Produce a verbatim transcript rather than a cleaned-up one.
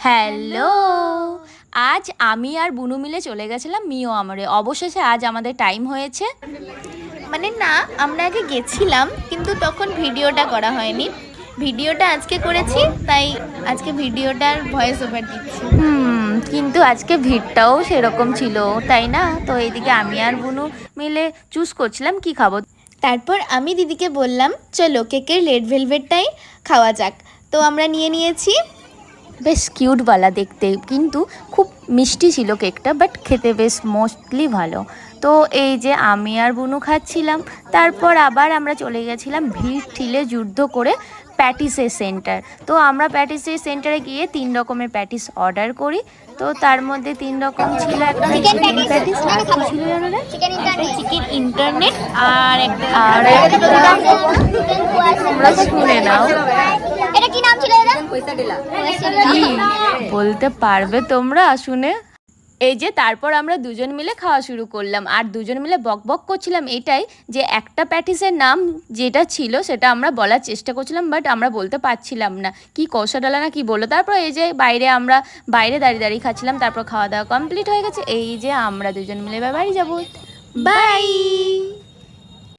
Hello, আজ আমি আর বুনু মিলে চলে গেছিলাম মিও আমরে। অবশেষে আজ আমাদের টাইম হয়েছে। মানে না, আমরা আগে গেছিলাম কিন্তু তখন ভিডিওটা করা হয়নি। ভিডিওটা আজকে করেছি, তাই আজকে ভিডিওটার ভয়েস ওভার দিচ্ছি। হুম কিন্তু আজকে ভিড়টাও সেরকম ছিল, তাই না? তো এইদিকে আমি আর বুনু মিলে চুজ করছিলাম কি খাবো। তারপর আমি দিদিকে বললাম চলো কেকের রেড ভেলভেটটাই খাওয়া যাক। তো আমরা নিয়ে নিয়েছি। বেশ কিউটওয়ালা দেখতে, কিন্তু খুব মিষ্টি ছিল কেকটা, বাট খেতে বেশ মোস্টলি ভালো। তো এই যে আমি আর বুনু খাচ্ছিলাম, তারপর আবার আমরা চলে গেছিলাম ভিড় ঠিলে যুদ্ধ করে প্যাটিসের সেন্টার। তো আমরা প্যাটিসের সেন্টারে গিয়ে তিন রকমের প্যাটিস অর্ডার করি। তো তার মধ্যে তিন রকম ছিল, একটা চিকেন প্যাটিস, আর কি ছিল জানো না? একটা চিকেন ইন্টারনেট আর একটা আর একটা তোমরা শুনে নাও। এটা কি নাম ছিল? কি বলতে পারবে তোমরা শুনে? এই যে তারপর আমরা দুজন মিলে খাওয়া শুরু করলাম, আর দুজন মিলে বক বক করছিলাম এটাই যে একটা প্যাটিসের নাম যেটা ছিল সেটা আমরা বলার চেষ্টা করছিলাম, বাট আমরা বলতে পারছিলাম না, কি কষা ডালা না কি বললো। তারপর এই যে বাইরে আমরা বাইরে দাঁড়িয়ে দাঁড়িয়ে খাচ্ছিলাম। তারপর খাওয়া দাওয়া কমপ্লিট হয়ে গেছে। এই যে আমরা দুজন মিলে এবার বাড়ি যাবো। বাই।